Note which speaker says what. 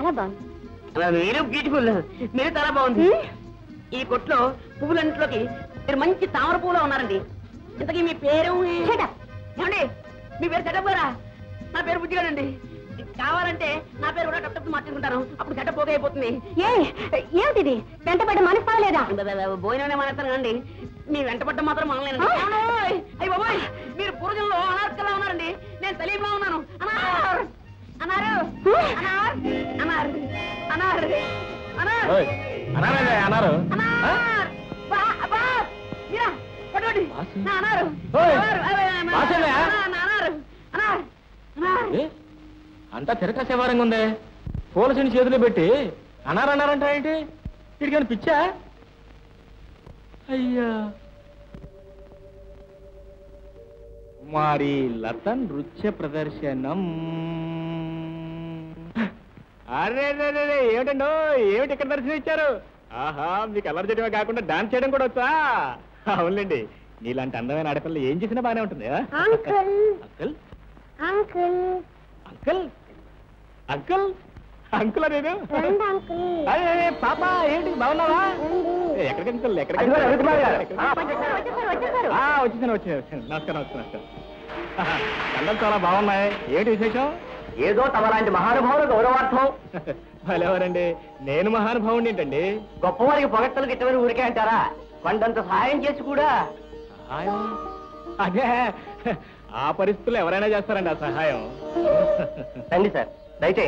Speaker 1: చాలా బాగుంది.
Speaker 2: మీరు బ్యూటిఫుల్, మీరు చాలా బాగుంది. ఈ కొట్లో పువ్వులన్నింటిలోకి మీరు మంచి తామర పువ్వులో ఉన్నారండి. ఇంతకీ మీ పేరు ఏమండి? మీ పేరు సెటప్ గారా? నా పేరు బుజ్జిగాడండి. కావాలంటే నా పేరు కూడా టప్ మార్చుకుంటాను, అప్పుడు సెటప్ పోతే అయిపోతుంది.
Speaker 1: ఏమిటిది? వెంటబడ్డ మనసు లేదా?
Speaker 2: భోజనమే మానేస్తాను కండి, మీ వెంటపడ్డం మాత్రం మనలేను. అయ్యి బాబాయ్, మీరు పూర్వజంలో అనార్కలా ఉన్నారండి, నేను సలీంలా ఉన్నాను. అనార్ అన్నారు అనార్ అనార్ అనార్ అనార్
Speaker 3: అన్నారు అంతా తిరకాసేవారంగా ఉందే. పూలసిని చేతులు పెట్టి అన్నారంట ఏంటి? వీడికని పిచ్చా? అయ్యా మరి లతన్ నృత్య ప్రదర్శనం. అరే ఏమిటండో, ఏమిటి ఇక్కడ దర్శనం ఇచ్చారు? ఆహా, మీకు అల్లరి చేయడమే కాకుండా డాన్స్ చేయడం కూడా వచ్చా? అవునులేండి, నీలాంటి అందమైన ఆడపిల్ల ఏం చేసినా బానే ఉంటుంది. Uncle uncle uncle uncle uncle నేను అదే పాప, ఏంటి బాగున్నావా? ఎక్కడికి అంకుల్? ఎక్కడికి? వచ్చేసాను వచ్చాను. నమస్కారం నమస్కారం. అందరూ చాలా బాగున్నాయి. ఏంటి విశేషం?
Speaker 2: ఏదో తమలాంటి మహానుభావులు గౌరవార్థం.
Speaker 3: భలేవారండి, నేను మహానుభావుని ఏంటండి?
Speaker 2: గొప్పవారికి పొగట్టలు గిట్టమని ఊరికే అంటారా? కొండంత సహాయం చేసి కూడా.
Speaker 3: సహాయం? అదే, ఆ పరిస్థితుల్లో ఎవరైనా చేస్తారండి ఆ సహాయం.
Speaker 2: రండి సార్, దయచేసి.